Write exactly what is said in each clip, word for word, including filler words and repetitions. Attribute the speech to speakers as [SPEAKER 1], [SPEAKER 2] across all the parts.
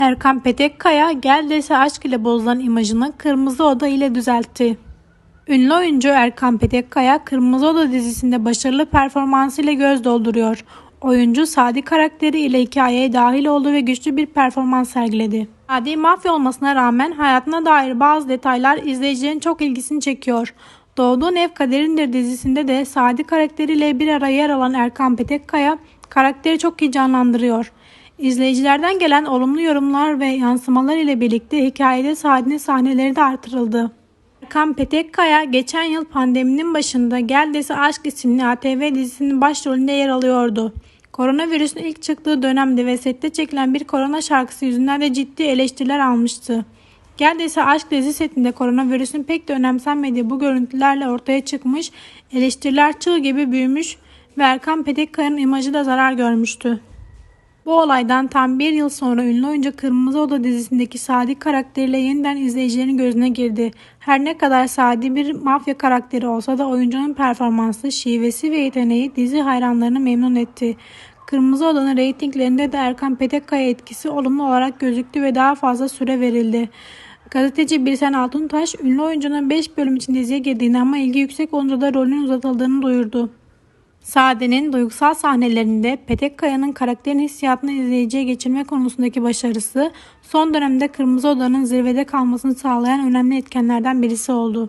[SPEAKER 1] Erkan Petekkaya, Gel Dese Aşk ile bozulan imajını Kırmızı Oda ile düzeltti. Ünlü oyuncu Erkan Petekkaya, Kırmızı Oda dizisinde başarılı performansıyla göz dolduruyor. Oyuncu Sadi karakteri ile hikayeye dahil oldu ve güçlü bir performans sergiledi. Sadi mafya olmasına rağmen hayatına dair bazı detaylar izleyicilerin çok ilgisini çekiyor. Doğduğun Ev Kaderindir dizisinde de Sadi karakteriyle bir araya yer alan Erkan Petekkaya karakteri çok iyi canlandırıyor. İzleyicilerden gelen olumlu yorumlar ve yansımalar ile birlikte hikayede Sadi'nin sahneleri de artırıldı. Erkan Petekkaya geçen yıl pandeminin başında Gel Dese Aşk isimli A T V dizisinin başrolünde yer alıyordu. Koronavirüsün ilk çıktığı dönemde ve sette çekilen bir korona şarkısı yüzünden de ciddi eleştiriler almıştı. Gel Dese Aşk dizi setinde koronavirüsün pek de önemsenmediği bu görüntülerle ortaya çıkmış, eleştiriler çığ gibi büyümüş ve Erkan Petekkaya'nın imajı da zarar görmüştü. Bu olaydan tam bir yıl sonra ünlü oyuncu Kırmızı Oda dizisindeki Sadi karakteriyle yeniden izleyicilerin gözüne girdi. Her ne kadar Sadi bir mafya karakteri olsa da oyuncunun performansı, şivesi ve yeteneği dizi hayranlarını memnun etti. Kırmızı Oda'nın reytinglerinde de Erkan Petekkaya etkisi olumlu olarak gözüktü ve daha fazla süre verildi. Gazeteci Birsen Altuntaş, ünlü oyuncunun beş bölüm için diziye girdiğini ama ilgi yüksek olunca da rolünün uzatıldığını duyurdu. Sade'nin duygusal sahnelerinde Petekkaya'nın karakterin hissiyatını izleyiciye geçirme konusundaki başarısı son dönemde Kırmızı Oda'nın zirvede kalmasını sağlayan önemli etkenlerden birisi oldu.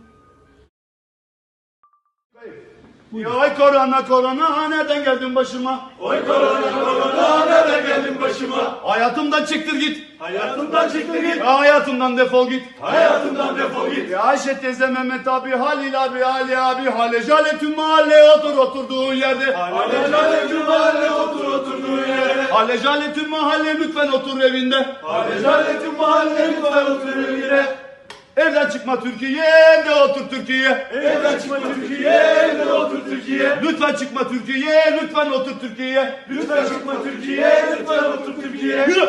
[SPEAKER 2] Oy korona korona nereden geldin başıma?
[SPEAKER 3] Oy korona korona nereden geldin başıma?
[SPEAKER 2] Hayatımdan çıktır git.
[SPEAKER 3] Hayatımdan çıktı git.
[SPEAKER 2] Ya hayatımdan defol git.
[SPEAKER 3] Hayatımdan defol git.
[SPEAKER 2] Ya Ayşe teyze, Mehmet abi, Halil abi, Ali abi, Hale Jale tüm mahalle otur oturduğun yerde.
[SPEAKER 3] Hale Jale tüm mahalle otur oturduğun yere.
[SPEAKER 2] Hale Jale tüm mahalle lütfen otur evinde.
[SPEAKER 3] Hale Jale tüm mahalle lütfen otur evine.
[SPEAKER 2] Evden çıkma Türkiye, evde otur Türkiye.
[SPEAKER 3] Evden çıkma Türkiye, evde otur Türkiye.
[SPEAKER 2] Lütfen çıkma Türkiye, lütfen otur Türkiye.
[SPEAKER 3] Lütfen çıkma Türkiye, lütfen otur Türkiye.
[SPEAKER 2] Yürü